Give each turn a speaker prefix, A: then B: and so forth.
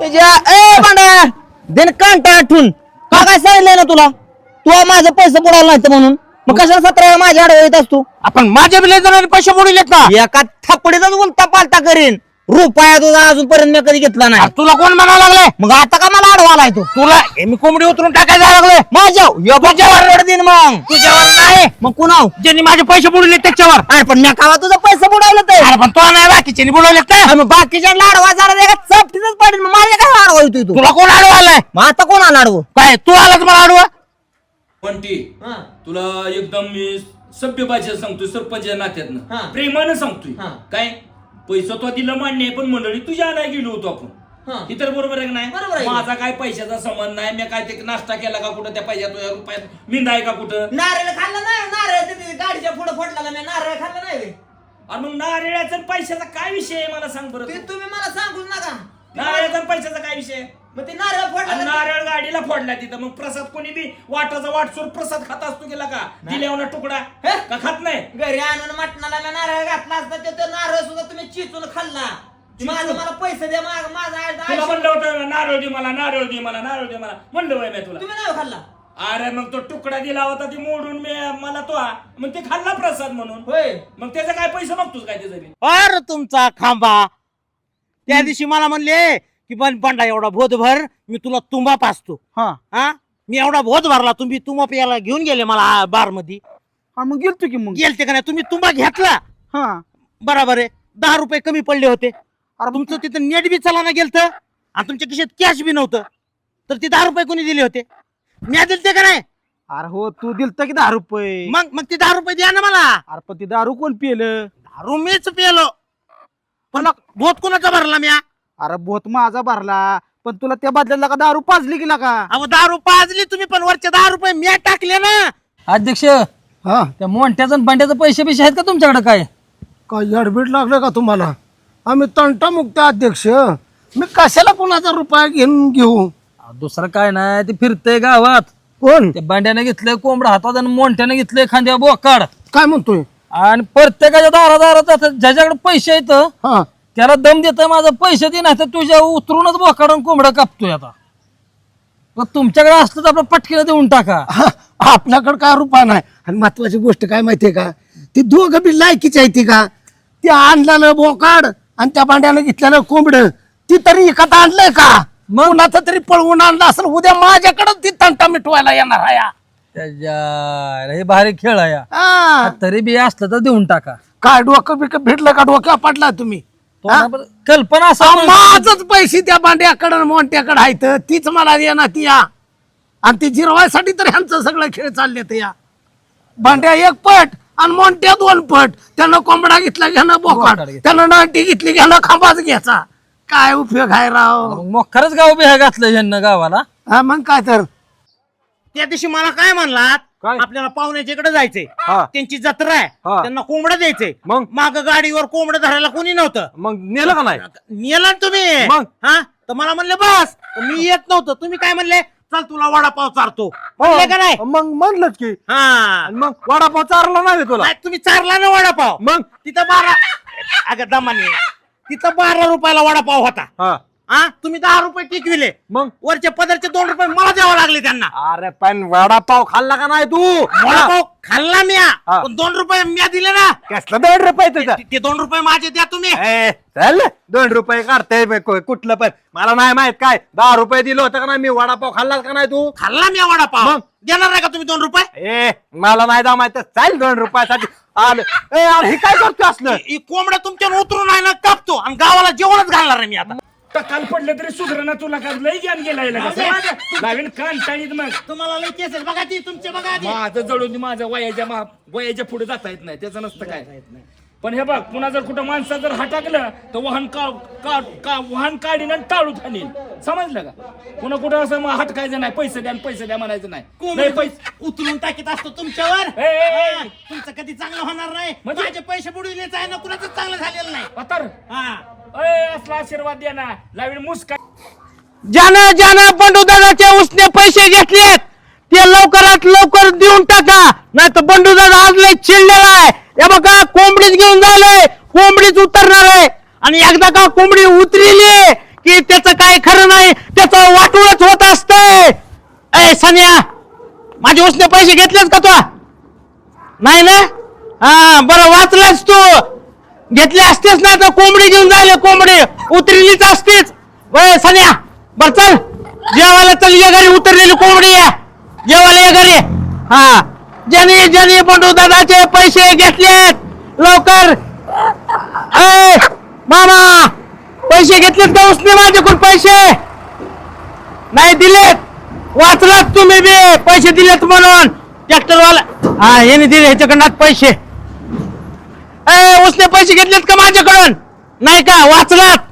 A: ए भांड्या दिन कांटा आठवून का काय सांगितलंय ना तुला तू माझं पैसे बुडाला नाही म्हणून मग कशाला 17 माझ्या आडवे येत असतो आपण माझ्या बिले जणांनी पैसे बुडविलेत ना एका थपडीतच उलटा पालटा करीन रुपया तुझा अजूनपर्यंत मी कधी घेतला नाही तुला कोण म्हणायला लागले मग आता का मला आडवा आलाय तू तुला मी कोंबडी उतरून टाकायला लागलोय माझ्यावर दिन मग तुझ्यावर नाही मग कुणाव ज्यांनी माझे पैसे बुडवले त्याच्यावर अरे पण मी कावा तुझं पैसे बुडवलं ते अरे पण तो नाही बाकीच्यांनी बुडवले काय मग बाकीच्या लाडवा जरा चपटीतच पडेल मग माझ्या काय आडवा होतोय तू तुला कोण आडवा आलाय मग आता कोण आला आडवं काय तू आलाच मला आडवा
B: पण ती तुला एकदम मी सभ्य भाषेत सांगतोय सरपंच नात्यातनं प्रेमानं सांगतोय काय पैसा तो दिला मान्य आहे पण मंडळी तुझ्या आणाय गेलो होतो आपण ही तर बरोबर आहे की नाही माझा काय पैशाचा संबंध नाही मी काय ते नाश्ता केला का कुठं त्या पैशात रुपयात मिंदाय का कुठं
C: नारळ खाल्ला नाही नारळ गाडीच्या पुढे फोडला मी नारळ खाल्ला नाही
B: आणि मग नारळाचा पैशाचा काय विषय आहे मला सांग बरं
C: ते तुम्ही मला सांगूच नका
B: नारळाचा पैशाचा काय विषय
C: मग ते नारळ फोडला
B: नारळ गाडीला फोडला तिथं मग प्रसाद कोणी बी वाटाचा वाटसोर प्रसाद खात असतो गेला का दिल्यावर तुकडा का खात नाही
C: घरी आणून मटणाला मी नारळ घातला असता ते नारळ सुद्धा तुम्ही चिचून खाल्ला माझं मला पैसे द्या
B: तुला म्हणलं होतं नारळ दे मला नारळ दे मला नारळ दे मला म्हणलं वय मी तुला
C: तुम्ही नाही खाल्ला
B: अरे मग तो तुकडा दिला होता ती मोडून मी मला तो मग ते खाल्ला प्रसाद म्हणून
C: होय
B: मग त्याचा काय पैसे मागतोस काय त्याचा
A: अरे तुमचा खांबा त्या दिवशी मला म्हणले की पण बंडा एवढा भोत भर मी तुला तुंबा पाचतो हा मी एवढा भोत भरला तुम्ही तुंबा प्यायला घेऊन गेले मला बार मध्ये
D: मग गेलतो की मग
A: गेलते का नाही तुम्ही तुंबा घेतला बरोबर आहे 10 रुपये कमी पडले होते अरे तुमचं तिथं नेट बी चलाना गेलत आणि तुमच्या खिशात कॅश बी नव्हतं तर ते 10 रुपये कोणी दिले होते मी दिलते का नाही
D: अरे हो तू दिलत की 10 रुपये
A: मग ते 10 रुपये द्या ना मला
D: अरे पण ते दारू कोण पिलं
A: दारू मीच पिलो पण भोत कोणाचा भरला मी
D: अरे बोत माझा भरला पण तुला त्या बदल्याला का दारू पाजली गेला का
A: अहो दारू पाजली तुम्ही पण वरचे 10 रुपये मी टाकले ना
E: अध्यक्ष त्या मोठ्याचा बंड्याचे पैसे बिशे आहेत का तुमच्याकडे काय
D: अडबीड लागलं का तुम्हाला आम्ही तंटामुक्त अध्यक्ष मी कशाला कोणाचा रुपया घेऊ
E: दुसरं काय नाही ते फिरतंय गावात
D: कोण
E: त्या बंड्याने घेतलंय कोंबडा हातात आणि मोठ्याने घेतलंय खांद्या बोकाड
D: काय म्हणतोय
E: आणि प्रत्येकाच्या दारादारात ज्याच्याकडे पैसे आहेत
D: हा
E: त्याला दम देत माझं पैसे दे नाही तर तुझ्या उतरूनच बोकाड कोंबडा कापतोय आता मग तुमच्याकडे असलं तर आपलं पटकीला देऊन टाका
D: आपल्याकडे काय रुपया नाही आणि महत्वाची गोष्ट काय माहितीये का ती दोघं बी लायकीची आहे ती का ते आणलेलं बोकाड आणि त्या भांड्यानं घेतलेलं कोंबड ती तरी एखादा आणलंय का मग कुणाचं तरी पळवून आणलं असेल उद्या माझ्याकडे ती तंटा मिटवायला येणार आहे
E: हे भारी खेळ आहे
D: हा.
E: तरी बी असलं तर देऊन टाका
D: काय डोकं बिकं भेटलं का डोक्या पडला तुम्ही
E: कल्पना
D: माझच पैसे त्या भांड्याकडं मोठ्याकडे आहेत तीच मला येणार ती या आणि ती जिरवायसाठी तर ह्यांचं सगळं खेळ चालले ते या भांड्या 1 पट आणि मोठ्या 2 पट त्यानं कोंबडा घेतला घ्यानं बोकाड त्यानं नाटी घेतली घ्यानं खांबाच घ्यायचा काय उपयोग आहे राव
E: मग खरंच गाव बिहा घातलं ह्यांना गावाला
D: हा मग काय तर
A: त्या दिवशी मला काय म्हणलात आपल्याला पाहुण्याच्या इकडे जायचंय त्यांची जत्रा आहे त्यांना कोंबडं द्यायचंय मग माग गाडीवर कोंबडं धरायला कोणी नव्हतं
D: मग नेलं का नाही
A: नेला ना तुम्ही
D: मग?
A: हा तर मला म्हणले बस तर मी येत नव्हतं तुम्ही काय म्हणले चल तुला वडापाव चारतो म्हणले का नाही
D: मग म्हणलंच की
A: हा
D: मग वडापाव चारला नाही तुला
A: नाही, तुम्ही चारला ना वडापाव
D: मग
A: तिथं 12 अगं दमाने तिथं 12 रुपयाला वडापाव होता हा तुम्ही 10 रुपये टिकविले
D: मग
A: वरचे पदरचे 2 रुपये मला द्यावं लागले त्यांना
D: अरे पण वडापाव खाल्ला का नाही तू
A: वडापाव खाल्ला म्या पण 2 रुपये म्या दिले ना
D: कसला 2 रुपये तुझा
A: ते 2 रुपये माझे द्या तुम्ही
D: चल 2 रुपये काढताय कुठलं पण मला नाही माहित काय 10 रुपये दिलं होतं का नाही मी वडापाव खाल्ला का नाही तू
A: खाल्ला म्या वडापाव
D: मग?
A: देणार नाही का तुम्ही 2 रुपये
D: मला नाही दा माहित चाल 2 रुपयासाठी आलं हे काय करतो असलं
A: कोंबड्या तुमच्यावर उतरून आहे ना कापतो आणि गावाला जेवणच घालणार आहे मी आता
B: काल पडलं तरी सुधारणा तुला का लई ज्ञान गेलाय नवीन कान टाळीत मग
A: तुम्हाला लई केस आहेत बघा ती तुमचे बघा
B: माझं जळून माझ्या वयाच्या पुढे जाता येत नाही त्याचं नसतं काय पण हे बघ पुन्हा जर कुठं माणसा जर हटाकलं तर वाहन काढीन आणि टाळू थानील समजलं का पुन्हा कुठं असं मग हटकायचं नाही पैसे द्या म्हणायचं नाही पैसे
C: उचलून टाकीत असतो तुमच्यावर तुमचं कधी चांगलं होणार नाही
B: म्हणजे?
C: माझे पैसे बुडविलेच आहे ना कुणाचं चांगलं झालेलं नाही
B: पतर असला आशीर्वाद द्या ना लावीन मुस्का
A: ज्यानं बंडू दादाचे उसने पैसे घेतलेत ते लवकरात लवकर देऊन टाका नाही तर बंडू दादा आज लय चिडलेला आहे हे बघा कोंबडीच घेऊन जायलंय कोंबडीच उतरणार आहे आणि एकदा का कोंबडी उतरली की त्याचं काय खरं नाही
D: पैसे घेतलेस का तू? नाही ना? हा बरं, वाचलास तू. घेतले असतेस ना तर कोंबडी घेऊन जायला, कोंबडी उतरलीच असतीच. वय सन्या, बर चल जेवायला चल, ये घरी उतरलेली कोंबडी आहे, जेवायला ये घरी. हा, ज्यांनी बंडू दादाचे पैसे घेतलेत लवकर. ए मामा, पैसे घेतलेत का उसने माझ्याकडून? पैसे नाही दिलेत. वाचलात तुम्ही बी, पैसे दिलेत म्हणून. ट्रॅक्टरवाला हा, याने दिले ह्याच्याकडनं पैसे. ए उसने पैसे घेतलेत का माझ्याकडून? नाही का? वाचलात.